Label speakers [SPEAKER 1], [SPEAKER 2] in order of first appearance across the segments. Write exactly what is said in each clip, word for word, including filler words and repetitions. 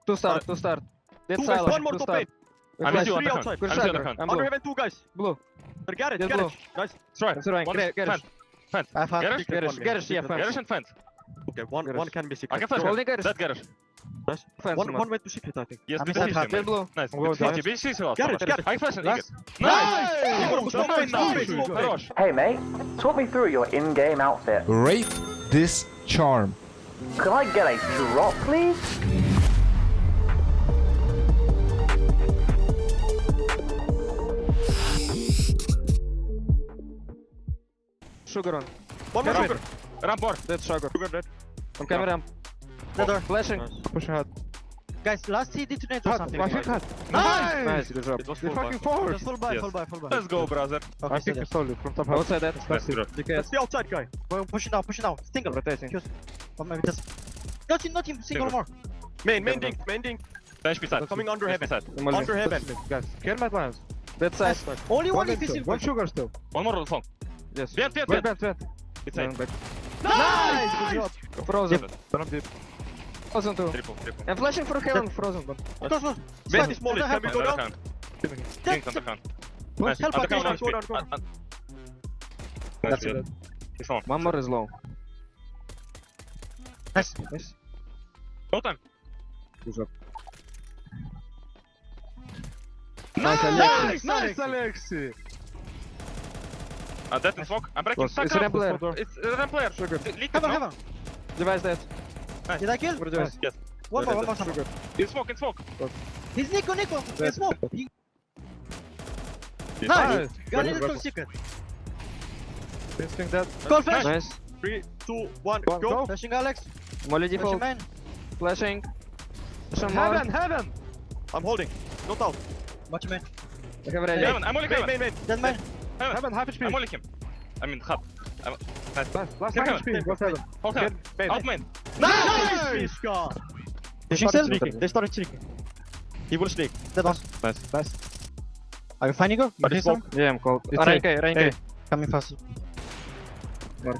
[SPEAKER 1] Two start, two start. Dead
[SPEAKER 2] Two guys,
[SPEAKER 1] silent,
[SPEAKER 2] one more
[SPEAKER 1] two
[SPEAKER 2] top
[SPEAKER 1] start.
[SPEAKER 2] eight.
[SPEAKER 3] I'm
[SPEAKER 1] Flash.
[SPEAKER 3] with you on
[SPEAKER 2] Three
[SPEAKER 3] the
[SPEAKER 2] outside.
[SPEAKER 3] front.
[SPEAKER 1] Good
[SPEAKER 3] I'm with
[SPEAKER 1] shot,
[SPEAKER 3] you on the front.
[SPEAKER 1] I'm
[SPEAKER 2] Under
[SPEAKER 1] blue.
[SPEAKER 2] heaven, two guys.
[SPEAKER 1] Blue.
[SPEAKER 2] Garage,
[SPEAKER 1] Dead
[SPEAKER 2] garage. Nice.
[SPEAKER 3] Strike.
[SPEAKER 1] Surveying.
[SPEAKER 3] One
[SPEAKER 1] Garage,
[SPEAKER 3] is
[SPEAKER 1] garage.
[SPEAKER 3] fence.
[SPEAKER 4] I have
[SPEAKER 3] Garage?
[SPEAKER 4] secret
[SPEAKER 1] Garage,
[SPEAKER 4] one game.
[SPEAKER 1] garage, yeah,
[SPEAKER 4] Secret
[SPEAKER 1] fence.
[SPEAKER 3] Garage and fence.
[SPEAKER 2] Okay, one
[SPEAKER 1] Garage.
[SPEAKER 2] one can be
[SPEAKER 3] I
[SPEAKER 2] secret.
[SPEAKER 3] can flash
[SPEAKER 1] Holding
[SPEAKER 3] her.
[SPEAKER 1] garage.
[SPEAKER 3] That garage.
[SPEAKER 2] Nice.
[SPEAKER 1] Fence,
[SPEAKER 2] One
[SPEAKER 1] man.
[SPEAKER 2] one went to secret, I think.
[SPEAKER 3] Yes,
[SPEAKER 4] I'm
[SPEAKER 3] we
[SPEAKER 4] inside
[SPEAKER 3] both
[SPEAKER 4] half.
[SPEAKER 3] him.
[SPEAKER 1] Dead blue.
[SPEAKER 3] Nice.
[SPEAKER 1] I'm going
[SPEAKER 3] Fifty,
[SPEAKER 1] down.
[SPEAKER 3] B C is last.
[SPEAKER 2] Garage, garage.
[SPEAKER 3] I flash and
[SPEAKER 4] Last.
[SPEAKER 3] Eagle. Nice!
[SPEAKER 2] Nice!
[SPEAKER 3] Nice! Nice!
[SPEAKER 2] Nice!
[SPEAKER 3] Хорош.
[SPEAKER 5] Hey mate, talk me through your in-game outfit.
[SPEAKER 6] Rate this charm.
[SPEAKER 5] Could I get a drop, please?
[SPEAKER 1] Sugar on.
[SPEAKER 2] One more
[SPEAKER 3] Ramp.
[SPEAKER 2] sugar.
[SPEAKER 3] Ramp more.
[SPEAKER 1] Dead sugar.
[SPEAKER 2] Sugar dead.
[SPEAKER 1] On camera.
[SPEAKER 4] The door.
[SPEAKER 1] Flashing.
[SPEAKER 2] Nice.
[SPEAKER 1] Pushing hard.
[SPEAKER 4] Guys, last he detonates or something.
[SPEAKER 1] I think hard.
[SPEAKER 3] Nice!
[SPEAKER 1] Nice, good job.
[SPEAKER 2] It was
[SPEAKER 1] They
[SPEAKER 2] full
[SPEAKER 1] fucking
[SPEAKER 2] back.
[SPEAKER 1] forward.
[SPEAKER 4] Just full buy,
[SPEAKER 3] Yes.
[SPEAKER 4] full buy, full buy.
[SPEAKER 3] Let's go, brother.
[SPEAKER 4] Okay,
[SPEAKER 1] I
[SPEAKER 4] so
[SPEAKER 1] think
[SPEAKER 4] that-
[SPEAKER 1] it's solid from top house.
[SPEAKER 3] Outside
[SPEAKER 1] that.
[SPEAKER 3] Let's do
[SPEAKER 1] D K
[SPEAKER 2] That's
[SPEAKER 1] S.
[SPEAKER 2] the outside guy.
[SPEAKER 4] We're pushing down, pushing down. Single.
[SPEAKER 1] Rotating.
[SPEAKER 4] Excuse. Or maybe just. Not him, not him. Single
[SPEAKER 3] Single.
[SPEAKER 4] more.
[SPEAKER 2] Main, main dink, main dink.
[SPEAKER 3] H P side.
[SPEAKER 2] Coming under
[SPEAKER 3] H P
[SPEAKER 2] heaven.
[SPEAKER 3] side.
[SPEAKER 2] Under heaven.
[SPEAKER 1] Guys, care my plans. Dead side.
[SPEAKER 4] Only one
[SPEAKER 1] One,
[SPEAKER 4] if he's
[SPEAKER 1] two.
[SPEAKER 4] in.
[SPEAKER 1] One sugar still.
[SPEAKER 3] One more phone.
[SPEAKER 1] Yes.
[SPEAKER 3] Vent, vent,
[SPEAKER 1] Wait,
[SPEAKER 3] vent.
[SPEAKER 1] vent, vent.
[SPEAKER 3] It's
[SPEAKER 1] Going
[SPEAKER 3] eight.
[SPEAKER 1] back.
[SPEAKER 4] Nice! Good job.
[SPEAKER 1] Frozen.
[SPEAKER 3] One deep.
[SPEAKER 1] Frozen too.
[SPEAKER 3] Triple, triple.
[SPEAKER 1] I'm flashing for heaven, frozen. But
[SPEAKER 4] Close, close.
[SPEAKER 2] Vent
[SPEAKER 4] Slide.
[SPEAKER 2] is small.
[SPEAKER 4] Under
[SPEAKER 2] Can we
[SPEAKER 4] heaven.
[SPEAKER 2] go down?
[SPEAKER 3] Underhand.
[SPEAKER 4] Dead.
[SPEAKER 3] Kings underhand.
[SPEAKER 1] Nice.
[SPEAKER 3] Nice.
[SPEAKER 4] Help,
[SPEAKER 3] Underhand,
[SPEAKER 4] help,
[SPEAKER 3] one
[SPEAKER 2] go
[SPEAKER 3] H P.
[SPEAKER 2] down, go down.
[SPEAKER 3] Un- un-
[SPEAKER 1] That's
[SPEAKER 3] Nice.
[SPEAKER 1] it.
[SPEAKER 3] He's on.
[SPEAKER 1] One more is low.
[SPEAKER 4] Nice.
[SPEAKER 1] Nice.
[SPEAKER 3] No time.
[SPEAKER 1] Good job.
[SPEAKER 3] Nice!
[SPEAKER 1] Nice, nice, Alexi.
[SPEAKER 3] Uh, dead in smoke. I'm breaking.
[SPEAKER 1] Close.
[SPEAKER 3] Stack
[SPEAKER 1] It's
[SPEAKER 3] up.
[SPEAKER 1] ramp player.
[SPEAKER 3] It's uh, ramp player.
[SPEAKER 1] Sugar.
[SPEAKER 3] Liquid,
[SPEAKER 4] Heaven,
[SPEAKER 3] no?
[SPEAKER 4] heaven.
[SPEAKER 1] Device dead.
[SPEAKER 4] Did I kill?
[SPEAKER 1] What are you doing?
[SPEAKER 3] Yes.
[SPEAKER 4] One more, one more. Sugar.
[SPEAKER 3] In smoke, in smoke.
[SPEAKER 4] He's Nico, Nico. He's smoke. He-
[SPEAKER 3] Yes.
[SPEAKER 4] Nice. Got
[SPEAKER 1] Good,
[SPEAKER 4] it
[SPEAKER 1] good.
[SPEAKER 4] from secret.
[SPEAKER 1] Instinct dead.
[SPEAKER 4] Call flash.
[SPEAKER 1] Nice.
[SPEAKER 2] Three, two, one,
[SPEAKER 1] One,
[SPEAKER 2] go.
[SPEAKER 1] go.
[SPEAKER 4] Flashing Alex.
[SPEAKER 1] Molly
[SPEAKER 4] Flashing
[SPEAKER 1] default.
[SPEAKER 4] man.
[SPEAKER 1] Flashing. Some more.
[SPEAKER 2] Heaven, heaven. I'm holding. Not out.
[SPEAKER 4] Watch man.
[SPEAKER 1] I have ready.
[SPEAKER 3] Heaven, I'm only
[SPEAKER 2] Main,
[SPEAKER 3] heaven.
[SPEAKER 2] main, main.
[SPEAKER 4] Dead man.
[SPEAKER 3] Heaven.
[SPEAKER 1] Heaven, half H P.
[SPEAKER 3] I'm only him. I mean, hot. I'm... Nice.
[SPEAKER 1] Last, last
[SPEAKER 3] Heaven,
[SPEAKER 1] half H P. What's heaven?
[SPEAKER 3] Hold heaven.
[SPEAKER 1] Main.
[SPEAKER 3] Out main.
[SPEAKER 2] Nice! Fiska. They
[SPEAKER 4] Pushing
[SPEAKER 2] started
[SPEAKER 4] still?
[SPEAKER 2] sneaking. They started sneaking. He will sneak.
[SPEAKER 4] Dead one.
[SPEAKER 1] Nice. Nice.
[SPEAKER 4] Are you fine, Nico?
[SPEAKER 2] But
[SPEAKER 4] You
[SPEAKER 2] it's
[SPEAKER 4] see some?
[SPEAKER 1] Yeah, I'm cold.
[SPEAKER 4] It's
[SPEAKER 1] Rank A, rank A.
[SPEAKER 2] Hey.
[SPEAKER 4] Coming fast.
[SPEAKER 1] Mark.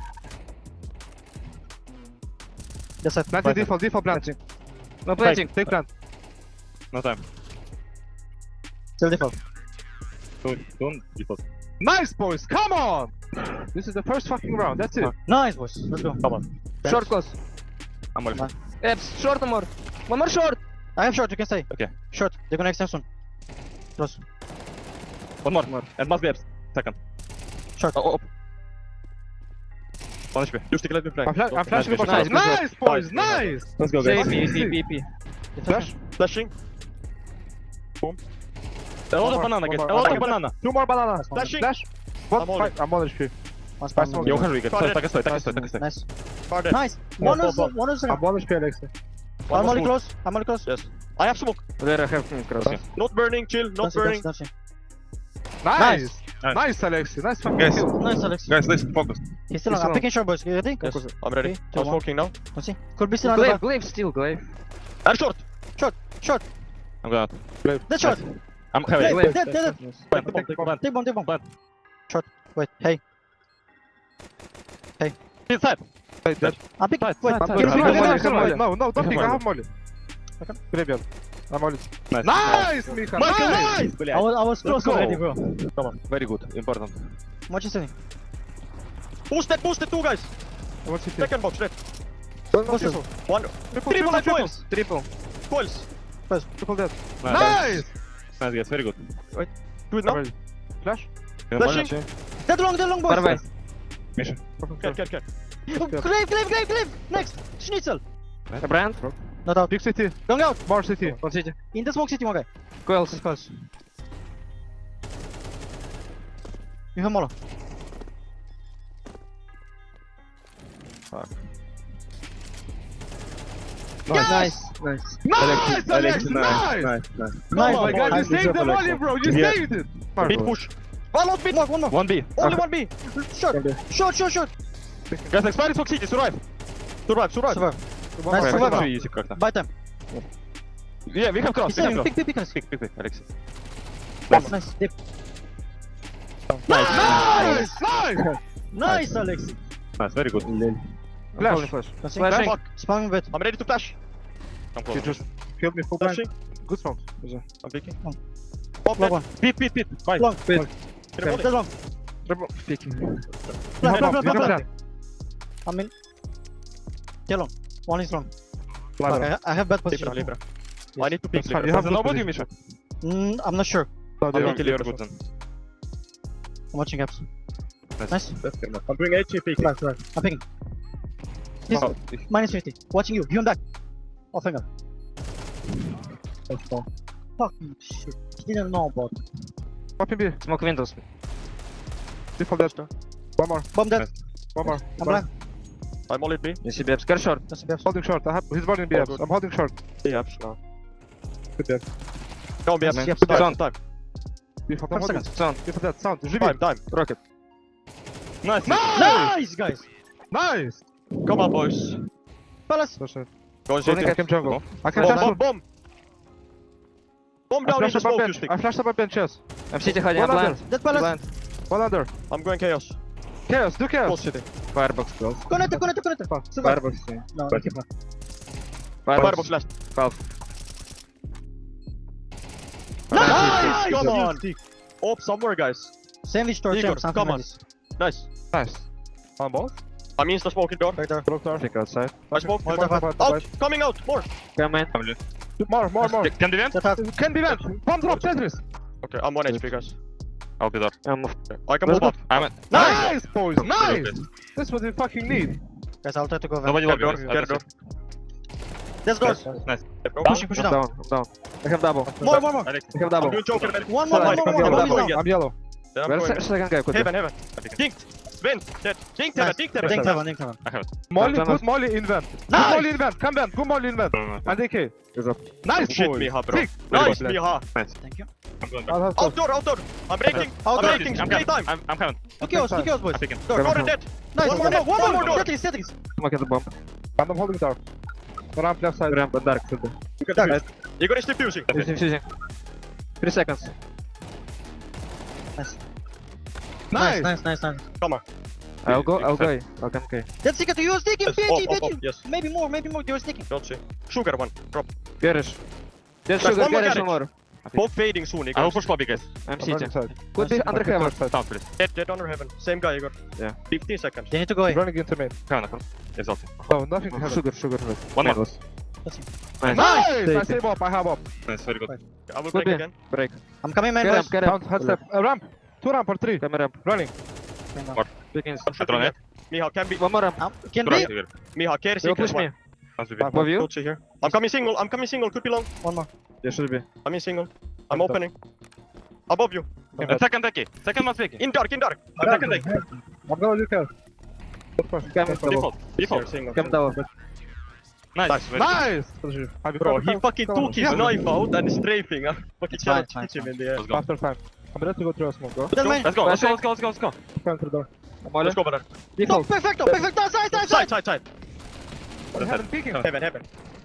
[SPEAKER 4] Yes, sir.
[SPEAKER 1] Planting default, default planting. No planting. Take plant.
[SPEAKER 3] No time.
[SPEAKER 4] Still default.
[SPEAKER 3] Don't, don't default.
[SPEAKER 1] Nice, boys. Come on. This is the first fucking round. That's it.
[SPEAKER 4] Nice, boys. Let's go.
[SPEAKER 3] Come on.
[SPEAKER 1] Short close.
[SPEAKER 3] I'm only.
[SPEAKER 4] Nice.
[SPEAKER 1] Eps, short more. One more short.
[SPEAKER 4] I have short, you can stay.
[SPEAKER 3] Okay.
[SPEAKER 4] Short. They're gonna extend soon. Close.
[SPEAKER 3] One more. more. And must be abs. Second.
[SPEAKER 4] Short.
[SPEAKER 3] Oh, oh. One H P.
[SPEAKER 2] You stick, let me play.
[SPEAKER 1] I'm, fla I'm flashing
[SPEAKER 3] Nice,
[SPEAKER 1] for nice.
[SPEAKER 3] nice,
[SPEAKER 1] Nice, boys. Nice.
[SPEAKER 3] Let's go,
[SPEAKER 1] J
[SPEAKER 3] guys.
[SPEAKER 1] P, P, P, P.
[SPEAKER 2] Flash. Flashing.
[SPEAKER 3] A lot of
[SPEAKER 1] more,
[SPEAKER 3] banana,
[SPEAKER 1] one
[SPEAKER 3] guys.
[SPEAKER 1] more.
[SPEAKER 3] A lot
[SPEAKER 1] Okay.
[SPEAKER 3] of banana.
[SPEAKER 1] Two more bananas.
[SPEAKER 2] Flashing.
[SPEAKER 1] Flash. One,
[SPEAKER 2] I'm holding.
[SPEAKER 1] five. I'm on H P.
[SPEAKER 4] One spam.
[SPEAKER 1] smoke.
[SPEAKER 3] Я ухожу, Игорь.
[SPEAKER 2] Sorry.
[SPEAKER 3] Стой, так и стой, так и стой, так и стой.
[SPEAKER 4] Nice.
[SPEAKER 2] Guarded.
[SPEAKER 4] Nice. One
[SPEAKER 2] One,
[SPEAKER 4] is
[SPEAKER 2] one,
[SPEAKER 4] one is.
[SPEAKER 1] I'm on H P, Alexi.
[SPEAKER 2] One
[SPEAKER 4] I'm
[SPEAKER 2] more
[SPEAKER 4] only
[SPEAKER 2] smoke.
[SPEAKER 4] close. I'm only close.
[SPEAKER 2] Yes. I have smoke.
[SPEAKER 1] There I have him cross.
[SPEAKER 3] Okay.
[SPEAKER 2] Not burning, chill. Not
[SPEAKER 4] Don't see,
[SPEAKER 2] burning.
[SPEAKER 4] don't see, don't see.
[SPEAKER 1] Nice.
[SPEAKER 3] Nice.
[SPEAKER 1] Nice, Alexi. Nice fucking
[SPEAKER 3] Guys.
[SPEAKER 1] kill.
[SPEAKER 4] Nice, Alex.
[SPEAKER 3] Guys, listen, focus.
[SPEAKER 4] He's still on.
[SPEAKER 1] He's
[SPEAKER 4] I'm
[SPEAKER 1] on.
[SPEAKER 4] picking short, boys. You ready?
[SPEAKER 2] Yes. I'm ready.
[SPEAKER 4] Three, two,
[SPEAKER 2] I'm
[SPEAKER 4] one.
[SPEAKER 2] smoking now.
[SPEAKER 4] Let's see. Could be still on the
[SPEAKER 1] Glaive,
[SPEAKER 4] back.
[SPEAKER 1] glaive still, glaive.
[SPEAKER 2] And short.
[SPEAKER 4] Short. Short.
[SPEAKER 3] I'm going out.
[SPEAKER 4] Dead short.
[SPEAKER 3] I'm heavy.
[SPEAKER 4] Glaive.
[SPEAKER 1] Glaive.
[SPEAKER 4] Dead, dead, dead.
[SPEAKER 3] Plant, plant, plant.
[SPEAKER 4] Take bomb, take bomb.
[SPEAKER 3] Plant.
[SPEAKER 4] Short. Wait. Hey.
[SPEAKER 3] Inside.
[SPEAKER 1] Wait, dead.
[SPEAKER 4] I'm picking.
[SPEAKER 3] Side,
[SPEAKER 4] Wait.
[SPEAKER 3] side,
[SPEAKER 4] Can
[SPEAKER 3] side.
[SPEAKER 4] you
[SPEAKER 1] I
[SPEAKER 4] pick
[SPEAKER 1] have
[SPEAKER 4] again?
[SPEAKER 1] molly,
[SPEAKER 4] Nice.
[SPEAKER 1] I have molly. No, no,
[SPEAKER 3] You
[SPEAKER 1] don't
[SPEAKER 3] have
[SPEAKER 1] pick. I
[SPEAKER 3] molly.
[SPEAKER 1] have molly.
[SPEAKER 4] Okay.
[SPEAKER 1] Graveyard. I'm molly.
[SPEAKER 3] Nice.
[SPEAKER 1] Nice, Mika.
[SPEAKER 2] Michael,
[SPEAKER 1] Nice.
[SPEAKER 2] nice!
[SPEAKER 4] I was, I was close
[SPEAKER 3] go.
[SPEAKER 4] already, bro.
[SPEAKER 3] Come on. Very good. Important.
[SPEAKER 4] What you saying?
[SPEAKER 2] Boosted, boosted, two guys.
[SPEAKER 1] What's it?
[SPEAKER 2] Second box, left.
[SPEAKER 1] One more
[SPEAKER 4] Triple.
[SPEAKER 1] triple.
[SPEAKER 2] One.
[SPEAKER 1] Triple,
[SPEAKER 2] Triple and
[SPEAKER 1] triple,
[SPEAKER 2] coils.
[SPEAKER 1] triple.
[SPEAKER 2] Coils.
[SPEAKER 1] Triple dead.
[SPEAKER 3] Nice.
[SPEAKER 1] Nice.
[SPEAKER 3] Nice, guys. Very good.
[SPEAKER 2] Do it now.
[SPEAKER 1] Ready. Flash.
[SPEAKER 2] Flashing.
[SPEAKER 4] Dead long, dead long, boys.
[SPEAKER 1] Far away.
[SPEAKER 3] Misha.
[SPEAKER 2] Get, get, get.
[SPEAKER 4] Oh, Glaive, glaive, glaive, glaive. Next. Schnitzel.
[SPEAKER 1] A brand.
[SPEAKER 4] Not out.
[SPEAKER 1] Big city.
[SPEAKER 4] Going out.
[SPEAKER 1] More city. One city.
[SPEAKER 4] In the smoke city, one guy.
[SPEAKER 1] Coils.
[SPEAKER 4] Close. You have Molo.
[SPEAKER 1] Nice. Nice. Nice, Alex. Nice.
[SPEAKER 3] Nice, nice.
[SPEAKER 4] Nice,
[SPEAKER 1] Oh my
[SPEAKER 4] boy.
[SPEAKER 1] god, you
[SPEAKER 4] Nice.
[SPEAKER 1] saved the volley, bro. You
[SPEAKER 3] Yeah.
[SPEAKER 1] saved it.
[SPEAKER 2] Mid push.
[SPEAKER 4] One more, one more, one more.
[SPEAKER 3] One B.
[SPEAKER 2] Only one B.
[SPEAKER 4] Short, short, short, short.
[SPEAKER 3] Guys, expired Smoke City, survive.
[SPEAKER 2] Survive, survive.
[SPEAKER 4] Survive.
[SPEAKER 1] One
[SPEAKER 4] Nice,
[SPEAKER 1] more.
[SPEAKER 4] survive.
[SPEAKER 3] Very easy как-то.
[SPEAKER 4] Buy time.
[SPEAKER 3] Yeah, we have cross,
[SPEAKER 4] He's
[SPEAKER 3] we have
[SPEAKER 4] saving.
[SPEAKER 3] cross.
[SPEAKER 4] Pick, pick, pick, us.
[SPEAKER 3] Pick, pick, pick, Alexei.
[SPEAKER 4] Nice, nice. Dip.
[SPEAKER 1] Nice. Nice.
[SPEAKER 4] Nice, Alex.
[SPEAKER 3] Nice, very good.
[SPEAKER 1] Flash. Flash.
[SPEAKER 4] Let's see.
[SPEAKER 1] Flashing.
[SPEAKER 2] Fuck.
[SPEAKER 4] Spamming bit.
[SPEAKER 2] I'm ready to flash.
[SPEAKER 3] Come
[SPEAKER 1] You
[SPEAKER 3] close.
[SPEAKER 1] just
[SPEAKER 2] Killed me full blind.
[SPEAKER 1] Flashing. Good smoke.
[SPEAKER 2] I'm peeking.
[SPEAKER 4] Long.
[SPEAKER 2] Pop
[SPEAKER 4] Long
[SPEAKER 2] that.
[SPEAKER 4] one.
[SPEAKER 2] Pit, pit, pit. Bye.
[SPEAKER 4] Long.
[SPEAKER 2] Pit.
[SPEAKER 4] Dead long.
[SPEAKER 1] Triple. Peeking.
[SPEAKER 4] Flash,
[SPEAKER 1] Come
[SPEAKER 4] flash,
[SPEAKER 1] on,
[SPEAKER 4] flash,
[SPEAKER 1] you can
[SPEAKER 4] flash.
[SPEAKER 1] plan.
[SPEAKER 4] I'm in. Dead long. One is long.
[SPEAKER 1] Ladder.
[SPEAKER 4] Fuck, I, I have bad
[SPEAKER 2] Libra,
[SPEAKER 4] position.
[SPEAKER 2] Libra.
[SPEAKER 4] Yes.
[SPEAKER 2] I need to peek
[SPEAKER 1] That's fine.
[SPEAKER 2] Libra.
[SPEAKER 1] You have
[SPEAKER 3] There's
[SPEAKER 1] good
[SPEAKER 3] nobody,
[SPEAKER 1] position.
[SPEAKER 3] Misha.
[SPEAKER 4] Mm, I'm not sure.
[SPEAKER 1] No,
[SPEAKER 2] I'm
[SPEAKER 1] they
[SPEAKER 2] peeking
[SPEAKER 1] don't.
[SPEAKER 2] Libra.
[SPEAKER 3] Good then.
[SPEAKER 4] I'm watching gaps. Nice.
[SPEAKER 2] Let's get him. I'm doing H P peeking.
[SPEAKER 4] Right, right. I'm picking. He's
[SPEAKER 1] Oh,
[SPEAKER 4] minus fifty. Watching you. You on back. Off finger. Fucking shit. He didn't know about it.
[SPEAKER 1] Pop in B.
[SPEAKER 3] Smoke windows.
[SPEAKER 1] Default dead. One more.
[SPEAKER 4] Bomb dead.
[SPEAKER 1] One more.
[SPEAKER 4] I'm blind.
[SPEAKER 2] I'm all in B.
[SPEAKER 3] You see Babs. Care short.
[SPEAKER 4] That's the best.
[SPEAKER 1] Holding short. I have. He's burning B
[SPEAKER 2] Oh,
[SPEAKER 1] Fs.
[SPEAKER 2] good.
[SPEAKER 1] I'm holding short.
[SPEAKER 2] B ups now.
[SPEAKER 1] Good dead.
[SPEAKER 2] Go B ups.
[SPEAKER 3] Man.
[SPEAKER 2] Yep,
[SPEAKER 3] Sound.
[SPEAKER 2] time, time.
[SPEAKER 1] Default. I'm
[SPEAKER 4] Five
[SPEAKER 1] holding.
[SPEAKER 4] seconds.
[SPEAKER 3] Sound.
[SPEAKER 1] Default dead. Sound. Живи.
[SPEAKER 2] Time, time.
[SPEAKER 3] Rocket. Nice.
[SPEAKER 4] Nice, guys.
[SPEAKER 1] Nice.
[SPEAKER 2] Come on, boys.
[SPEAKER 4] Palace.
[SPEAKER 1] That's it.
[SPEAKER 2] Go and
[SPEAKER 1] I
[SPEAKER 2] shoot
[SPEAKER 1] I
[SPEAKER 2] it.
[SPEAKER 1] can jungle. I can
[SPEAKER 2] Bomb,
[SPEAKER 1] flash.
[SPEAKER 2] bomb, bomb. Bomb
[SPEAKER 1] I
[SPEAKER 2] down in
[SPEAKER 1] flash
[SPEAKER 2] the
[SPEAKER 1] up a
[SPEAKER 2] smoke, you
[SPEAKER 1] bench.
[SPEAKER 2] stick.
[SPEAKER 1] I flash up a bench. Yes.
[SPEAKER 3] I'm city hiding.
[SPEAKER 1] One
[SPEAKER 3] I'm
[SPEAKER 1] under.
[SPEAKER 3] blind.
[SPEAKER 4] Dead Palace.
[SPEAKER 3] Blind.
[SPEAKER 1] One under.
[SPEAKER 2] I'm going chaos.
[SPEAKER 1] Chaos. Do chaos.
[SPEAKER 2] Close city.
[SPEAKER 3] Firebox close.
[SPEAKER 4] Connect, connect, connect. Survive.
[SPEAKER 3] Firebox. yeah.
[SPEAKER 4] No,
[SPEAKER 3] But-
[SPEAKER 4] keep on.
[SPEAKER 2] Firebox last.
[SPEAKER 3] Half.
[SPEAKER 2] Nice! Come on! Up somewhere, guys.
[SPEAKER 4] Sandwich door,
[SPEAKER 2] Igor,
[SPEAKER 4] champ, something
[SPEAKER 2] come
[SPEAKER 4] like
[SPEAKER 2] on.
[SPEAKER 4] this.
[SPEAKER 2] Nice.
[SPEAKER 1] Nice. On both.
[SPEAKER 2] I'm insta smoking door.
[SPEAKER 4] Right there.
[SPEAKER 1] Block door.
[SPEAKER 3] Take outside.
[SPEAKER 2] I smoke.
[SPEAKER 1] One
[SPEAKER 4] Right
[SPEAKER 1] more,
[SPEAKER 4] there.
[SPEAKER 1] one more,
[SPEAKER 2] Out! Coming out! More!
[SPEAKER 3] Come in.
[SPEAKER 1] More, more, more.
[SPEAKER 3] Can be vent?
[SPEAKER 4] That half.
[SPEAKER 1] Can be vent. Bomb drop. Tetris.
[SPEAKER 2] Okay, I'm one H P, guys.
[SPEAKER 3] I'll be there. Um,
[SPEAKER 2] I can
[SPEAKER 1] Let's
[SPEAKER 2] move up.
[SPEAKER 3] I'm at.
[SPEAKER 1] Nice, boys.
[SPEAKER 3] Good,
[SPEAKER 1] Nice.
[SPEAKER 3] good.
[SPEAKER 1] That's what we fucking need.
[SPEAKER 4] Guys, I'll try to go vent.
[SPEAKER 3] Nobody
[SPEAKER 2] Get
[SPEAKER 3] lobby.
[SPEAKER 2] door,
[SPEAKER 3] I'll
[SPEAKER 2] get door.
[SPEAKER 4] Let's go.
[SPEAKER 3] Nice.
[SPEAKER 2] Go.
[SPEAKER 4] Pushing, pushing
[SPEAKER 3] I'm
[SPEAKER 4] down.
[SPEAKER 3] down. I'm down. I have double.
[SPEAKER 4] More, more, more.
[SPEAKER 3] I have
[SPEAKER 2] I'm
[SPEAKER 3] double.
[SPEAKER 2] doing Joker, man.
[SPEAKER 4] One more,
[SPEAKER 1] Sorry,
[SPEAKER 4] one more,
[SPEAKER 1] I'm
[SPEAKER 4] one more.
[SPEAKER 1] yellow.
[SPEAKER 4] One more.
[SPEAKER 1] I'm yellow.
[SPEAKER 2] Then I'm
[SPEAKER 3] Where's
[SPEAKER 2] going.
[SPEAKER 3] the second guy? Could
[SPEAKER 2] Heaven, heaven. Dink! Vent! Dead. Dink heaven,
[SPEAKER 4] Nice.
[SPEAKER 2] dink
[SPEAKER 4] Dink
[SPEAKER 2] heaven.
[SPEAKER 4] heaven, dink heaven.
[SPEAKER 3] I have it.
[SPEAKER 1] Molly,
[SPEAKER 3] Done,
[SPEAKER 1] put
[SPEAKER 3] done.
[SPEAKER 1] Molly in vent. Put
[SPEAKER 4] Nice.
[SPEAKER 1] Molly in vent. Come vent. Put Molly in vent. And A K.
[SPEAKER 3] He's up.
[SPEAKER 1] Nice,
[SPEAKER 2] Shit
[SPEAKER 1] boys.
[SPEAKER 2] me, ha, bro.
[SPEAKER 1] Sick.
[SPEAKER 2] Nice,
[SPEAKER 1] Very
[SPEAKER 2] me,
[SPEAKER 1] good.
[SPEAKER 2] ha.
[SPEAKER 4] Thank you.
[SPEAKER 3] I'm going
[SPEAKER 1] I'll
[SPEAKER 3] back.
[SPEAKER 1] have
[SPEAKER 2] Outdoor, outdoor. I'm breaking. I'm
[SPEAKER 4] Outdoor.
[SPEAKER 2] breaking.
[SPEAKER 3] I'm
[SPEAKER 2] Play
[SPEAKER 3] coming.
[SPEAKER 2] time.
[SPEAKER 3] I'm, I'm coming.
[SPEAKER 4] Two kills, two kills, boys.
[SPEAKER 3] I'm picking.
[SPEAKER 4] Door.
[SPEAKER 2] Door dead.
[SPEAKER 4] Nice,
[SPEAKER 2] One
[SPEAKER 4] one
[SPEAKER 2] more
[SPEAKER 4] more,
[SPEAKER 2] door,
[SPEAKER 4] one
[SPEAKER 2] one
[SPEAKER 4] more.
[SPEAKER 2] more door.
[SPEAKER 4] Tetris, Tetris.
[SPEAKER 3] Look at the bomb.
[SPEAKER 1] I'm holding door. Ramp left side.
[SPEAKER 3] Ramp and dark. Should be.
[SPEAKER 2] You can defuse. Igor is defusing.
[SPEAKER 3] Fusing, fusing. Three seconds.
[SPEAKER 4] Nice.
[SPEAKER 1] Nice.
[SPEAKER 4] Nice, nice, nice.
[SPEAKER 2] Come on.
[SPEAKER 3] I'll go. I'll go. I'll come. Okay.
[SPEAKER 4] That's secret. You are sticking,
[SPEAKER 2] Yes,
[SPEAKER 4] P G,
[SPEAKER 2] up, up,
[SPEAKER 4] P G.
[SPEAKER 2] up, yes.
[SPEAKER 4] Maybe more, maybe more. You are sticking.
[SPEAKER 2] Don't see. Sugar one. Drop.
[SPEAKER 3] Garish. There's
[SPEAKER 2] Guys,
[SPEAKER 3] sugar.
[SPEAKER 2] one more
[SPEAKER 3] Garish
[SPEAKER 2] garage.
[SPEAKER 3] one more.
[SPEAKER 2] Both fading soon,
[SPEAKER 3] I
[SPEAKER 2] Igor.
[SPEAKER 3] will push lobby, guys. I'm
[SPEAKER 1] I'm
[SPEAKER 3] city.
[SPEAKER 1] running side.
[SPEAKER 3] Could be under
[SPEAKER 1] Okay,
[SPEAKER 3] heaven.
[SPEAKER 1] left side.
[SPEAKER 3] Sound, please.
[SPEAKER 2] Dead, dead under heaven. Same guy, Igor.
[SPEAKER 3] Yeah.
[SPEAKER 2] fifteen seconds.
[SPEAKER 4] They need to go
[SPEAKER 1] He's
[SPEAKER 4] A.
[SPEAKER 1] running into main.
[SPEAKER 3] Heaven, heaven. Yes, ulti.
[SPEAKER 1] No, nothing to happen.
[SPEAKER 3] Sugar, sugar. One
[SPEAKER 2] Main.
[SPEAKER 3] more.
[SPEAKER 4] That's it.
[SPEAKER 3] Nice.
[SPEAKER 1] Nice! I
[SPEAKER 3] Take
[SPEAKER 1] save up. I have up.
[SPEAKER 3] Nice, very good.
[SPEAKER 2] I will
[SPEAKER 3] Could
[SPEAKER 2] break
[SPEAKER 3] be.
[SPEAKER 2] again.
[SPEAKER 3] Break.
[SPEAKER 4] I'm coming, man,
[SPEAKER 3] Get
[SPEAKER 4] boys.
[SPEAKER 3] up, get
[SPEAKER 1] Count,
[SPEAKER 3] up.
[SPEAKER 1] head step. Uh, ramp. Two ramp or three.
[SPEAKER 3] Come ramp.
[SPEAKER 1] Running.
[SPEAKER 3] Picking.
[SPEAKER 2] I'm shooting
[SPEAKER 3] Drone
[SPEAKER 2] it.
[SPEAKER 3] it.
[SPEAKER 2] Miha, can be.
[SPEAKER 3] One more ramp.
[SPEAKER 4] Um, can
[SPEAKER 3] Drone
[SPEAKER 4] be.
[SPEAKER 3] it.
[SPEAKER 2] Miha, care
[SPEAKER 3] You'll
[SPEAKER 2] secret
[SPEAKER 3] push me.
[SPEAKER 2] one.
[SPEAKER 3] Must be.
[SPEAKER 1] Back,
[SPEAKER 3] Above you?
[SPEAKER 2] Don't see here. I'm coming single. I'm coming single. Could be long.
[SPEAKER 4] One more.
[SPEAKER 3] Yeah, should be.
[SPEAKER 2] I'm in single. I'm
[SPEAKER 1] Back
[SPEAKER 2] opening. Above you.
[SPEAKER 3] And second decky. Second must pick.
[SPEAKER 2] In dark, in dark. I'm
[SPEAKER 1] Dark.
[SPEAKER 2] second deck.
[SPEAKER 1] I'm gonna do care. Good push.
[SPEAKER 3] Come
[SPEAKER 1] Good push.
[SPEAKER 3] default.
[SPEAKER 2] Here,
[SPEAKER 3] Default.
[SPEAKER 2] single.
[SPEAKER 3] Come down. Nice.
[SPEAKER 2] Nice.
[SPEAKER 3] very good.
[SPEAKER 1] Nice! Подожди. Have you
[SPEAKER 2] Bro,
[SPEAKER 1] covered
[SPEAKER 2] he
[SPEAKER 1] time?
[SPEAKER 2] fucking
[SPEAKER 1] Cover.
[SPEAKER 2] took his
[SPEAKER 1] Yeah.
[SPEAKER 2] knife out and strafing. I fucking
[SPEAKER 4] It's fine,
[SPEAKER 2] cannot
[SPEAKER 4] it's fine,
[SPEAKER 2] hit him
[SPEAKER 4] it's
[SPEAKER 2] in the air.
[SPEAKER 3] Let's go.
[SPEAKER 1] After time. I'm ready to go through a smoke. Go.
[SPEAKER 4] Then main.
[SPEAKER 3] Let's go. Let's go. Let's go. Let's go. Let's go.
[SPEAKER 1] Come through door.
[SPEAKER 2] Let's go, brother.
[SPEAKER 4] No,
[SPEAKER 1] Default.
[SPEAKER 4] perfecto, perfecto. Side, side,
[SPEAKER 2] Side,
[SPEAKER 4] side.
[SPEAKER 2] side, side.
[SPEAKER 1] I haven't peeking.
[SPEAKER 2] Heaven, heaven.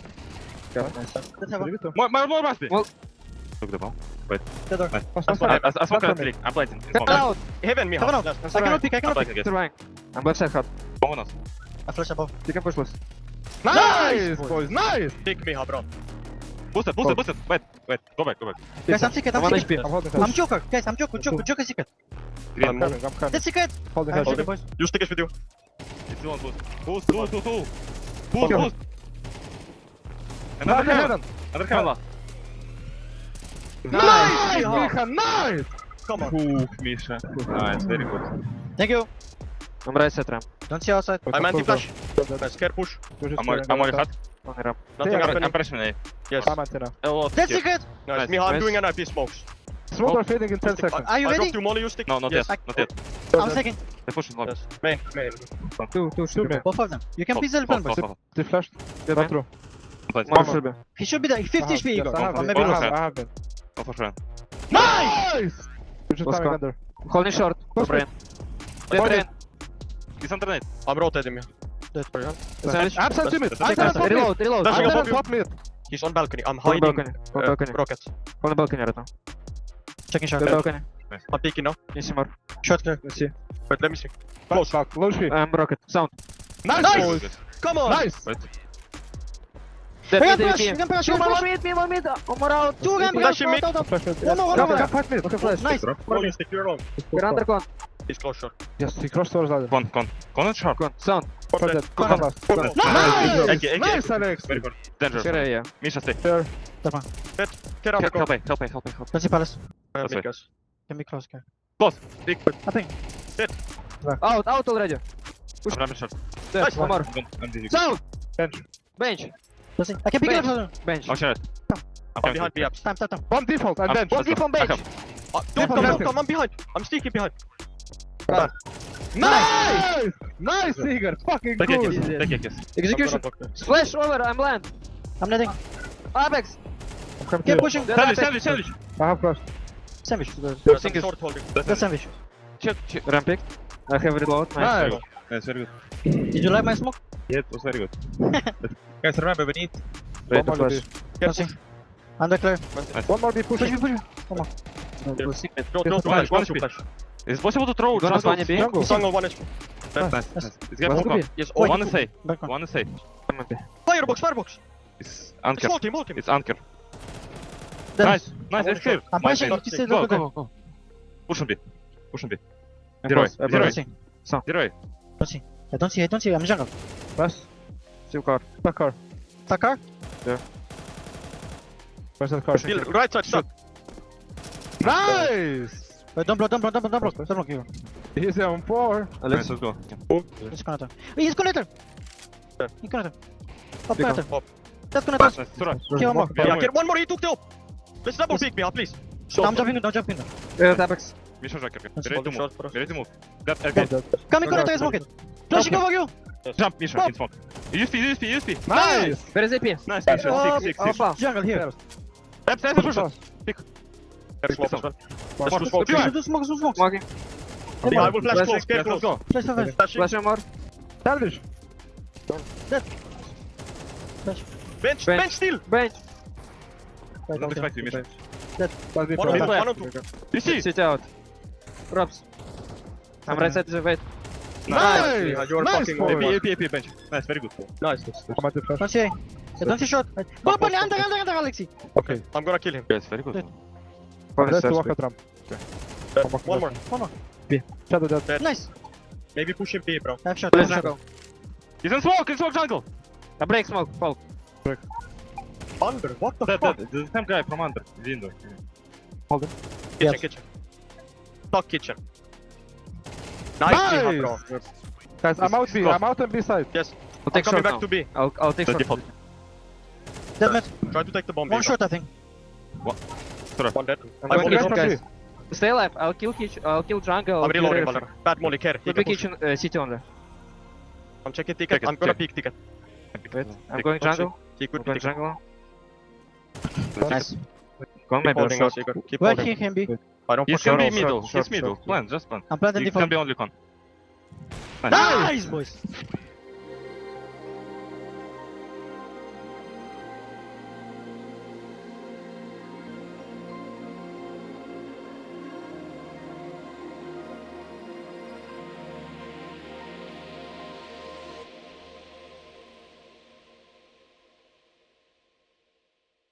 [SPEAKER 4] Let's have a.
[SPEAKER 1] Привет.
[SPEAKER 3] More, more, more must be. Well. Look the bomb.
[SPEAKER 4] The door.
[SPEAKER 3] Nice.
[SPEAKER 1] Pass,
[SPEAKER 3] I'm
[SPEAKER 1] pass, pass.
[SPEAKER 3] I'm smoking at three. I'm blighting.
[SPEAKER 4] Come out.
[SPEAKER 2] Heaven, Miha.
[SPEAKER 4] Heaven out.
[SPEAKER 2] Last.
[SPEAKER 4] I cannot pick, I
[SPEAKER 3] I'm
[SPEAKER 4] cannot pick.
[SPEAKER 3] blighting, guys.
[SPEAKER 1] Surviving.
[SPEAKER 3] I'm left side hot. Bomb on us.
[SPEAKER 4] I flash above.
[SPEAKER 3] You can push, push.
[SPEAKER 1] Nice, boys. Nice.
[SPEAKER 2] Pick Miha, bro.
[SPEAKER 3] Boost it, boost it, boost it. Wait, wait. Go back, go back.
[SPEAKER 4] Guys, I'm secret, I'm
[SPEAKER 3] One
[SPEAKER 4] secret.
[SPEAKER 3] H P.
[SPEAKER 1] I'm holding
[SPEAKER 4] I'm
[SPEAKER 1] head.
[SPEAKER 4] Joker. Guys, I'm Joker. Joker, Joker secret.
[SPEAKER 1] I'm
[SPEAKER 2] I'm
[SPEAKER 1] coming. I'm coming.
[SPEAKER 4] That's secret.
[SPEAKER 1] Holding
[SPEAKER 4] I'm
[SPEAKER 1] head.
[SPEAKER 4] secret, boys.
[SPEAKER 2] You stick is with you.
[SPEAKER 3] It's one boost. Boost, boost, boost, boost. Boost,
[SPEAKER 1] Kill.
[SPEAKER 3] boost. Another
[SPEAKER 1] Under
[SPEAKER 3] heaven.
[SPEAKER 1] heaven.
[SPEAKER 3] Another heaven.
[SPEAKER 1] Nice,
[SPEAKER 2] Miha.
[SPEAKER 1] Miha. Nice.
[SPEAKER 2] Come on.
[SPEAKER 3] Ooh, Misha. Nice, very good.
[SPEAKER 4] Thank you.
[SPEAKER 3] I'm right side ramp.
[SPEAKER 4] Don't see outside.
[SPEAKER 2] I'm anti-flash. Nice, scare push.
[SPEAKER 3] I'm on, I'm on hot. On the ramp.
[SPEAKER 2] Nothing
[SPEAKER 1] Yeah,
[SPEAKER 3] I'm,
[SPEAKER 2] happening.
[SPEAKER 3] I'm pressing A.
[SPEAKER 2] Yes.
[SPEAKER 1] I'm antenna.
[SPEAKER 3] A lot.
[SPEAKER 4] That's
[SPEAKER 3] here.
[SPEAKER 4] secret.
[SPEAKER 2] Nice.
[SPEAKER 3] Nice,
[SPEAKER 2] Miha, I'm
[SPEAKER 3] nice.
[SPEAKER 2] doing an I P smokes.
[SPEAKER 1] Smoke are fading in ten
[SPEAKER 2] Stick.
[SPEAKER 1] seconds.
[SPEAKER 4] Are you
[SPEAKER 2] I
[SPEAKER 4] ready?
[SPEAKER 2] dropped you molly, you stick.
[SPEAKER 3] No, not
[SPEAKER 2] Yes.
[SPEAKER 3] yet. Not yet.
[SPEAKER 4] I'm second.
[SPEAKER 3] They're pushing lobby.
[SPEAKER 2] Yes. Main, main.
[SPEAKER 1] Two, two, two, man.
[SPEAKER 4] Both of them. You can
[SPEAKER 3] Hold,
[SPEAKER 4] please help
[SPEAKER 3] hold,
[SPEAKER 4] them, boys.
[SPEAKER 3] hold, hold.
[SPEAKER 1] They flashed.
[SPEAKER 3] Yeah,
[SPEAKER 1] Not
[SPEAKER 3] man.
[SPEAKER 1] true.
[SPEAKER 3] Blighting.
[SPEAKER 1] One
[SPEAKER 3] One
[SPEAKER 1] more.
[SPEAKER 3] should be.
[SPEAKER 4] He should be there. fifty H P.
[SPEAKER 1] Yes, I have
[SPEAKER 4] Or
[SPEAKER 1] it.
[SPEAKER 4] maybe
[SPEAKER 1] I
[SPEAKER 4] less.
[SPEAKER 1] have, I have it.
[SPEAKER 3] Go for sure.
[SPEAKER 1] Nice! You're just
[SPEAKER 3] Let's
[SPEAKER 1] coming
[SPEAKER 3] go.
[SPEAKER 1] under.
[SPEAKER 3] Holding short.
[SPEAKER 1] Push
[SPEAKER 3] For brain. Dead
[SPEAKER 1] Hold
[SPEAKER 3] brain. He's under net.
[SPEAKER 2] I'm rotating me.
[SPEAKER 3] Sandwich.
[SPEAKER 1] Absent to mid.
[SPEAKER 2] That's-
[SPEAKER 1] Antenna
[SPEAKER 2] that's-
[SPEAKER 1] top mid.
[SPEAKER 3] Reload, reload.
[SPEAKER 2] That's-
[SPEAKER 1] Antenna
[SPEAKER 2] above you.
[SPEAKER 1] top mid.
[SPEAKER 2] He's on balcony. I'm
[SPEAKER 3] On
[SPEAKER 2] hiding.
[SPEAKER 3] balcony. On
[SPEAKER 2] uh,
[SPEAKER 3] balcony.
[SPEAKER 2] Rockets.
[SPEAKER 3] On the balcony right now.
[SPEAKER 4] Checking shot.
[SPEAKER 3] On balcony.
[SPEAKER 2] I'm peeking now.
[SPEAKER 3] You see more.
[SPEAKER 4] Shot clear.
[SPEAKER 3] Let's see.
[SPEAKER 2] Wait, let me see.
[SPEAKER 1] Close. Back. Low speed.
[SPEAKER 3] I'm rocket. Sound.
[SPEAKER 1] Nice,
[SPEAKER 2] Nice!
[SPEAKER 1] boys.
[SPEAKER 2] Come on!
[SPEAKER 1] Nice.
[SPEAKER 3] Wait.
[SPEAKER 1] Dead
[SPEAKER 4] We can
[SPEAKER 1] mid,
[SPEAKER 4] push,
[SPEAKER 1] A
[SPEAKER 4] we
[SPEAKER 1] P.
[SPEAKER 4] can push, we
[SPEAKER 5] One
[SPEAKER 4] can
[SPEAKER 5] more
[SPEAKER 4] push.
[SPEAKER 5] mid, me, one mid. One more out.
[SPEAKER 4] Two again,
[SPEAKER 2] Flash him
[SPEAKER 4] out,
[SPEAKER 2] mid.
[SPEAKER 4] out, out.
[SPEAKER 6] Flash mid.
[SPEAKER 4] One more, one
[SPEAKER 1] Come,
[SPEAKER 4] more.
[SPEAKER 1] come, fight mid. Okay, flash.
[SPEAKER 4] Nice.
[SPEAKER 2] One mid, stick your own.
[SPEAKER 1] We're under con.
[SPEAKER 2] He's close shot.
[SPEAKER 1] Yes, he crossed towards ladder.
[SPEAKER 3] Con, con. Con and sharp.
[SPEAKER 1] Con. Sound.
[SPEAKER 2] One
[SPEAKER 1] Con
[SPEAKER 2] dead.
[SPEAKER 1] dead. Con
[SPEAKER 4] Con.
[SPEAKER 1] last.
[SPEAKER 2] Con.
[SPEAKER 1] Con.
[SPEAKER 2] Nice.
[SPEAKER 1] Nice!
[SPEAKER 2] Eki, Eki,
[SPEAKER 1] Nice,
[SPEAKER 2] Eki.
[SPEAKER 1] Alex!
[SPEAKER 2] Very good.
[SPEAKER 3] Dangerous.
[SPEAKER 1] Get A, yeah.
[SPEAKER 3] Misha, stay.
[SPEAKER 1] Sure.
[SPEAKER 4] That one.
[SPEAKER 2] Get out
[SPEAKER 3] Help,
[SPEAKER 2] the
[SPEAKER 3] help,
[SPEAKER 2] goal.
[SPEAKER 3] me, help, me, help, me, help. me.
[SPEAKER 4] Let's see Palace.
[SPEAKER 2] I have
[SPEAKER 3] That's
[SPEAKER 2] mid,
[SPEAKER 3] right.
[SPEAKER 2] guys.
[SPEAKER 4] Can be close, guys.
[SPEAKER 3] Close. Big.
[SPEAKER 4] I think.
[SPEAKER 1] Out, out already.
[SPEAKER 3] I'm ramming shot.
[SPEAKER 1] Dead.
[SPEAKER 2] Nice.
[SPEAKER 1] One more.
[SPEAKER 3] Don't- I'm dizzy.
[SPEAKER 1] Sound!
[SPEAKER 6] Bench.
[SPEAKER 1] Bench.
[SPEAKER 4] Let's see. I can pick it
[SPEAKER 1] Bench.
[SPEAKER 4] up.
[SPEAKER 1] Bench.
[SPEAKER 3] Oh, shit.
[SPEAKER 4] Come.
[SPEAKER 3] I'm
[SPEAKER 2] One
[SPEAKER 3] coming.
[SPEAKER 2] behind B apps.
[SPEAKER 4] Time, time, time.
[SPEAKER 6] One default and
[SPEAKER 3] I'm-
[SPEAKER 6] bench.
[SPEAKER 1] One
[SPEAKER 3] let's go.
[SPEAKER 1] deep on
[SPEAKER 3] I
[SPEAKER 1] bench.
[SPEAKER 3] come.
[SPEAKER 2] Uh, don't come, don't come. I'm behind. I'm sneaking behind.
[SPEAKER 6] Nice! Nice, Igor. Fucking
[SPEAKER 3] Take it,
[SPEAKER 6] good.
[SPEAKER 3] kiss. Take it, kiss.
[SPEAKER 1] Execution. Splash over, I'm land.
[SPEAKER 4] I'm letting.
[SPEAKER 1] Apex.
[SPEAKER 6] I'm coming to
[SPEAKER 4] Keep
[SPEAKER 6] you.
[SPEAKER 4] pushing.
[SPEAKER 1] Dead
[SPEAKER 3] Sandwich,
[SPEAKER 1] Apex.
[SPEAKER 3] sandwich, sandwich.
[SPEAKER 6] I have flash.
[SPEAKER 4] Sandwich.
[SPEAKER 2] There's
[SPEAKER 1] Think
[SPEAKER 2] some
[SPEAKER 1] it's-
[SPEAKER 2] sword holding.
[SPEAKER 4] That's sandwich.
[SPEAKER 1] Check, check. Ramp pick. I have reload. Nice.
[SPEAKER 6] Nice.
[SPEAKER 3] Yes, very good.
[SPEAKER 4] Did you like my smoke?
[SPEAKER 3] Yeah, it was very good. Guys, remember, we need...
[SPEAKER 1] Ready to
[SPEAKER 6] One more
[SPEAKER 1] flash.
[SPEAKER 2] Get
[SPEAKER 4] Let's see.
[SPEAKER 2] push.
[SPEAKER 4] Under clear.
[SPEAKER 6] One more be pushing.
[SPEAKER 4] Push me, push me.
[SPEAKER 1] We'll see.
[SPEAKER 2] Don't, don't
[SPEAKER 6] One
[SPEAKER 2] flash.
[SPEAKER 3] one
[SPEAKER 2] Don't
[SPEAKER 3] speed.
[SPEAKER 2] flash.
[SPEAKER 3] Is it possible to throw
[SPEAKER 1] Gonna
[SPEAKER 3] jungle?
[SPEAKER 1] Spania B.
[SPEAKER 6] Jungle.
[SPEAKER 2] Jungle one H P.
[SPEAKER 3] Nice, nice.
[SPEAKER 4] Yes.
[SPEAKER 3] It's
[SPEAKER 6] Let's
[SPEAKER 3] getting
[SPEAKER 6] go
[SPEAKER 3] con.
[SPEAKER 6] B.
[SPEAKER 2] Yes.
[SPEAKER 4] Wait.
[SPEAKER 3] One is safe.
[SPEAKER 4] Back on.
[SPEAKER 3] One is safe.
[SPEAKER 2] Firebox, firebox.
[SPEAKER 3] It's anchor.
[SPEAKER 2] Small team, small team.
[SPEAKER 3] It's anchor.
[SPEAKER 4] Then-
[SPEAKER 3] Nice, nice,
[SPEAKER 2] I
[SPEAKER 3] it's clear.
[SPEAKER 4] I'm
[SPEAKER 3] Nice,
[SPEAKER 4] pushing.
[SPEAKER 3] nice.
[SPEAKER 4] You see,
[SPEAKER 3] Go,
[SPEAKER 4] look
[SPEAKER 3] go,
[SPEAKER 4] at
[SPEAKER 3] go, go. Push on B. Push on B.
[SPEAKER 1] I'm
[SPEAKER 3] Zero,
[SPEAKER 1] close.
[SPEAKER 3] zero.
[SPEAKER 1] Zero.
[SPEAKER 4] Let's see.
[SPEAKER 3] Zero A.
[SPEAKER 4] Don't see. I don't see. I don't see. I'm jungle.
[SPEAKER 6] Flash.
[SPEAKER 1] Still car.
[SPEAKER 6] Back car.
[SPEAKER 4] Takar.
[SPEAKER 6] Where's that car?
[SPEAKER 2] Still, right side, shot.
[SPEAKER 6] Nice!
[SPEAKER 4] Wait, don't block, don't block, don't block, don't block. Don't block you.
[SPEAKER 6] He's on four.
[SPEAKER 3] Nice, let's go.
[SPEAKER 4] He's connector. Wait, he's connector.
[SPEAKER 2] Yeah.
[SPEAKER 4] He's connector. Up
[SPEAKER 1] Big one.
[SPEAKER 4] connector.
[SPEAKER 2] Up.
[SPEAKER 4] That's
[SPEAKER 3] Nice,
[SPEAKER 4] connector.
[SPEAKER 3] nice. Surah.
[SPEAKER 4] Kill one more.
[SPEAKER 3] Yeah,
[SPEAKER 2] Yeah,
[SPEAKER 3] wait.
[SPEAKER 2] get one more. He took the op. Let's double
[SPEAKER 4] Yes.
[SPEAKER 2] peek behind, please.
[SPEAKER 4] No, I'm jumping in, don't jump in.
[SPEAKER 1] Ready Apex.
[SPEAKER 3] Misha Joker. Be
[SPEAKER 4] Let's
[SPEAKER 3] ready
[SPEAKER 2] hold
[SPEAKER 3] to
[SPEAKER 2] the
[SPEAKER 3] move.
[SPEAKER 2] shot for us.
[SPEAKER 3] Be ready to move. That,
[SPEAKER 6] Dead,
[SPEAKER 3] again.
[SPEAKER 6] dead.
[SPEAKER 4] Come in, connector, smoke it. Flashing over you.
[SPEAKER 3] Jump, Misha,
[SPEAKER 4] Stop.
[SPEAKER 3] in smoke. U S P, U S P, U S P.
[SPEAKER 6] Nice!
[SPEAKER 1] Where is A P?
[SPEAKER 3] Nice, Misha.
[SPEAKER 4] Oh,
[SPEAKER 3] Six, six, six.
[SPEAKER 1] Alpha.
[SPEAKER 4] Jungle here.
[SPEAKER 3] Step, step, push on.
[SPEAKER 2] Get smoke as well.
[SPEAKER 6] One
[SPEAKER 2] Let's do
[SPEAKER 6] more.
[SPEAKER 2] smoke.
[SPEAKER 3] Two.
[SPEAKER 4] Do do smoke, do smoke.
[SPEAKER 1] Smoking.
[SPEAKER 2] Yeah, I will flash
[SPEAKER 1] Flashing.
[SPEAKER 2] close. Get
[SPEAKER 3] Yes, let's
[SPEAKER 2] close.
[SPEAKER 3] go.
[SPEAKER 4] Flash, flash, flash.
[SPEAKER 2] Flashing.
[SPEAKER 1] Flash one more.
[SPEAKER 6] Sandwich.
[SPEAKER 4] Flash.
[SPEAKER 2] Bench,
[SPEAKER 1] Bench.
[SPEAKER 2] bench still.
[SPEAKER 1] Bench.
[SPEAKER 4] Wait,
[SPEAKER 3] Don't
[SPEAKER 4] okay.
[SPEAKER 3] expect you, Misha.
[SPEAKER 6] Flash
[SPEAKER 2] One
[SPEAKER 6] default.
[SPEAKER 2] on two,
[SPEAKER 3] Mid
[SPEAKER 2] one on two.
[SPEAKER 3] You see?
[SPEAKER 1] Sit out. Robs. I'm right side. Wait.
[SPEAKER 6] Nice!
[SPEAKER 2] Yeah, you're
[SPEAKER 6] Nice
[SPEAKER 2] fucking
[SPEAKER 3] A
[SPEAKER 6] forward.
[SPEAKER 3] P, A P, A P, bench. Nice, very good.
[SPEAKER 2] Nice.
[SPEAKER 6] I'm at the flash.
[SPEAKER 4] Don't see. I don't see shot. Go up on the under, under, under, Alexi.
[SPEAKER 6] Okay.
[SPEAKER 2] I'm gonna kill him.
[SPEAKER 3] Yes, very good.
[SPEAKER 1] One
[SPEAKER 6] Let's
[SPEAKER 1] stairs,
[SPEAKER 6] walk
[SPEAKER 1] wait.
[SPEAKER 6] at ramp.
[SPEAKER 2] One more.
[SPEAKER 4] One more.
[SPEAKER 6] Shadow dead.
[SPEAKER 4] Nice.
[SPEAKER 2] Maybe push him B, bro.
[SPEAKER 4] I have shot. I
[SPEAKER 1] Let's
[SPEAKER 4] have shot.
[SPEAKER 1] jungle.
[SPEAKER 3] He's in smoke, in smoke jungle.
[SPEAKER 1] A break smoke. Fall.
[SPEAKER 2] Under. What the
[SPEAKER 3] That,
[SPEAKER 2] fuck?
[SPEAKER 3] that, the same guy from under. Window.
[SPEAKER 2] Kitchen,
[SPEAKER 4] Yes.
[SPEAKER 2] kitchen. Talk kitchen. Nice,
[SPEAKER 6] Nice.
[SPEAKER 2] nice. bro.
[SPEAKER 6] Guys, I'm out B.
[SPEAKER 3] Go.
[SPEAKER 6] I'm out on B side.
[SPEAKER 2] Yes.
[SPEAKER 1] I'll
[SPEAKER 2] I'm
[SPEAKER 1] take
[SPEAKER 2] coming
[SPEAKER 1] short
[SPEAKER 2] back
[SPEAKER 1] now.
[SPEAKER 2] to B.
[SPEAKER 1] I'll, I'll take
[SPEAKER 3] The
[SPEAKER 1] short.
[SPEAKER 3] default.
[SPEAKER 4] Dead mid.
[SPEAKER 2] Try to take the bomb.
[SPEAKER 4] One
[SPEAKER 2] B,
[SPEAKER 4] shot, I think.
[SPEAKER 2] bro. One dead.
[SPEAKER 1] I'm
[SPEAKER 2] I'm
[SPEAKER 1] going
[SPEAKER 2] only
[SPEAKER 1] kitchen,
[SPEAKER 6] from
[SPEAKER 1] guys. Stay alive. I'll kill kitchen. I'll kill jungle.
[SPEAKER 2] I'm
[SPEAKER 1] I'll kill
[SPEAKER 2] reloading,
[SPEAKER 1] everything.
[SPEAKER 2] Valor. Bad molly, care. He
[SPEAKER 1] Could be
[SPEAKER 2] can push.
[SPEAKER 1] kitchen. Uh, city only.
[SPEAKER 2] I'm checking ticket.
[SPEAKER 3] Ticket,
[SPEAKER 2] I'm gonna
[SPEAKER 3] check.
[SPEAKER 2] peek ticket.
[SPEAKER 1] Wait. I'm
[SPEAKER 3] Take-
[SPEAKER 1] going
[SPEAKER 2] Don't
[SPEAKER 1] jungle.
[SPEAKER 2] He
[SPEAKER 1] I'm
[SPEAKER 2] could be
[SPEAKER 1] going
[SPEAKER 2] ticket.
[SPEAKER 1] jungle.
[SPEAKER 4] Nice.
[SPEAKER 1] Go on
[SPEAKER 2] Keep
[SPEAKER 1] maybe.
[SPEAKER 2] holding us, Igor. Keep
[SPEAKER 4] Where
[SPEAKER 2] holding.
[SPEAKER 4] he can be.
[SPEAKER 2] I don't
[SPEAKER 3] He's
[SPEAKER 2] fucking
[SPEAKER 3] can be
[SPEAKER 1] short,
[SPEAKER 3] middle.
[SPEAKER 1] short,
[SPEAKER 3] He's middle.
[SPEAKER 1] short.
[SPEAKER 3] Plan, just plan.
[SPEAKER 4] I'm planting
[SPEAKER 3] You can
[SPEAKER 4] default.
[SPEAKER 3] be only con.
[SPEAKER 4] Nice, boys.